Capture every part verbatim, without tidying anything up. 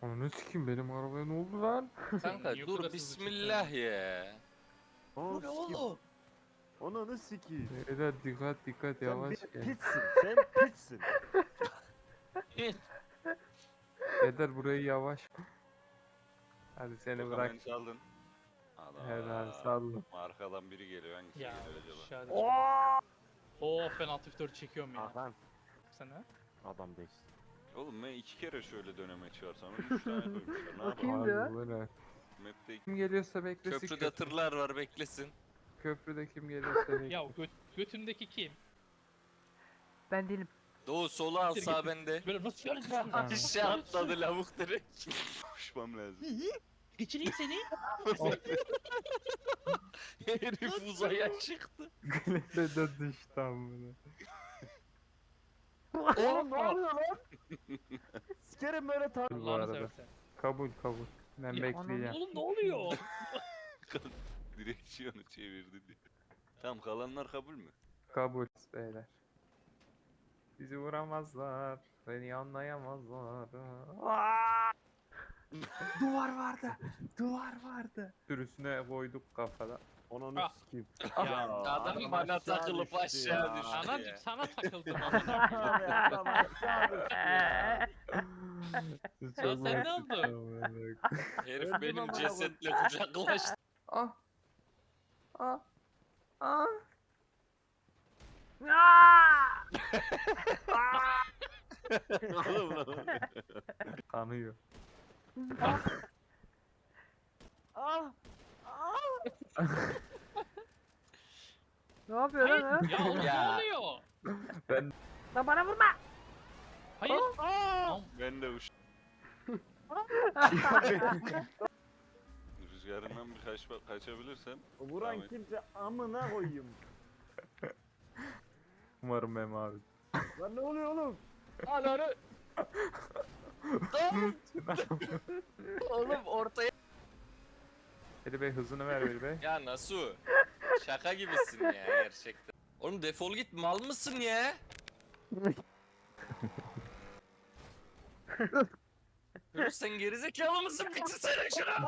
Ananı sikeyim, benim arabaya ne oldu lan? Kanka Niye bu kadar dur hızlı bismillah ya. Bu ne oğlum? Ananı sikeyim. Beyler dikkat dikkat, Sen yavaş bir gel. piçsin. Sen piçsin. Beyler burayı yavaş. Hadi seni bırak. Hemen çaldın. Ana. Helal sallım. Arkadan biri geliyor. Hangisi Ya geliyor acaba? şahane. Oo penaltı vitör çekiyorum ya. Hakan. Sen ha? Adam değilsin. Oğlum ben iki kere şöyle döneme çıkarsam üç tane koymuşlar. Ne yapalım? Kimdi o? Harbi böyle. Map'te Kim geliyorsa beklesin. Köprüde tırlar var beklesin. Köprüde kim geliyorsa beklesin. Ya göt götümdeki kim? Ben değilim. Doğu sola al sağ bende. Böyle nasıl göreceğim? Ha. Aşağı atladı lavuk direkt. koşmam lazım. Geçireyim seni. Herif uzaya çıktı. Güneşe de düştü amına. Oğlum ne oluyor lan? Sikerim böyle tar... Bu Allah'ını arada. seversen. Kabul kabul. Ben Ya, bekleyeceğim. Oğlum ne oluyor? Direksiyonu çevirdi diye. Tamam kalanlar kabul mü? Kabul beyler. Bizi vuramazlar. Beni anlayamazlar. Aa! Duvar vardı. Duvar vardı. Sürüsüne koyduk kafada. Ananı Ah. sikeyim. Ya, Adam bana aşağı takılıp düştü aşağı ya. düştü Anacık ya. sana takıldım amına. Abi adam aşağı düştü ya. Çok sen ne basit oldu? amına. Herif Öldüm benim amına cesetle kucaklaştı. Ah. Ah. Ah. Oğlum lan. Kanıyor. Ah. Ne yapıyor lan o? Ya oğlum ne Ya. oluyor? Ben Lan bana vurma. Hayır. Aa! Ben de uç. Rüzgarından bir kaç, kaçabilirsem. Vuran Ahmet. kimse amına koyayım. umarım Mem abi. Lan ne oluyor oğlum? Ananı. Oğlum ortaya. Veli Bey hızını ver Veli Bey. Ya Nasu. Şaka gibisin ya gerçekten. Oğlum defol git mal mısın ya? Yunus sen gerizekalı mısın? Bitirsene şunu.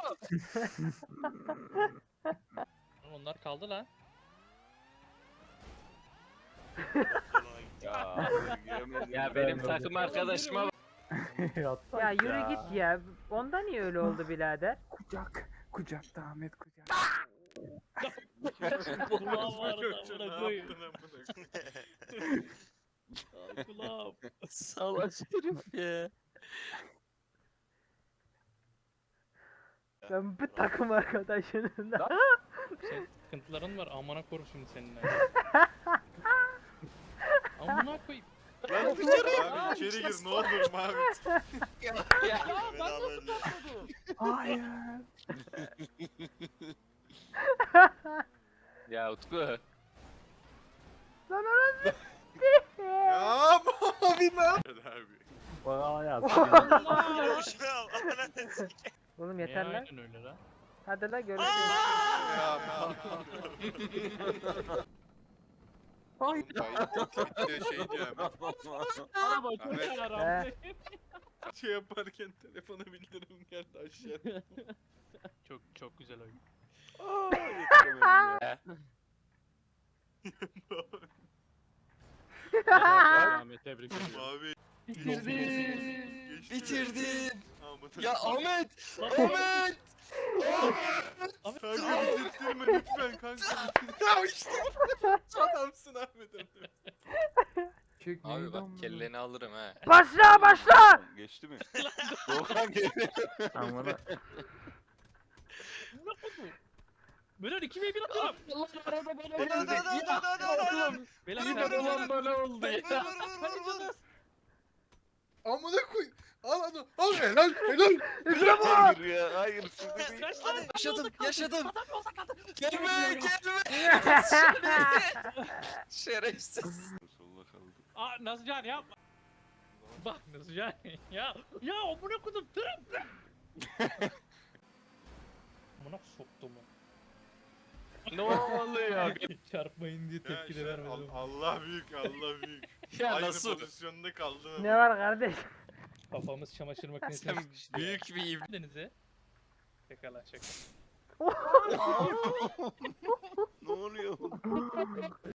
Onlar kaldı lan. Ya, giremedim. Ya benim takım arkadaşıma bak. Ya yürü git ya. Onda niye öyle oldu birader? Kucak. Kucakta Ahmet kucak. Kulağım vardı amına koyayım. Ay, Kulağım. Salak herif ya. Ben bu takım arkadaşının da. Senin sıkıntıların var amına korum şimdi seninle. Amına koyayım. Lan dışarı abi içeri gir ne olur Mahmut. Ya, ya. Ya ben nasıl tutamadım? Hayır. Ya Utku. Lan anasını. Ya mavi ne? Abi. Bana ya. Allah! Oğlum Niye yeter lan. aynen öyle lan? Hadi la görüşürüz. Ya Hayır. Bitti şey diyorum. Araba çok Ahmet. yaramdı. Şey yaparken telefona bildirim geldi aşağı. Çok çok güzel oyun. Ahmet tebrik ediyorum. Mavi. Bitirdim. Bitirdim. Ahmet. Ya Ahmet. Ahmet. Kanka bitirttirme lütfen kanka. Ya işte. Adamsın Ahmet abi. Çek Abi neydi bak amına? kelleni alırım ha. Başla başla. Geçti mi? Doğukan geldi. Amına. Beyler iki ve bir atıyorum. Allah arada bana Hadi, hadi, hadi, hadi, hadi, hadi. Beyler Yine sen olan bana oldu ya. Amına koy. Al onu. Al helal helal. İşte bu. Hayır ya hayır sizi değil. Yaşadım, yaşadım. Gelme, gelme. Şerefsiz. Solla kaldı. Aa Nazcan yapma. Bak Nazcan ya ya amına kodum tırım. Amına soktu mu? Ne oluyor? Çarpmayın diye tepki de vermedim. Allah büyük Allah büyük. Ya Aynı nasıl? pozisyonda kaldın. Ne var kardeş? Kafamız çamaşır makinesine Sen sıkıştı ya. büyük bir ibne. Denize. Şaka lan şaka.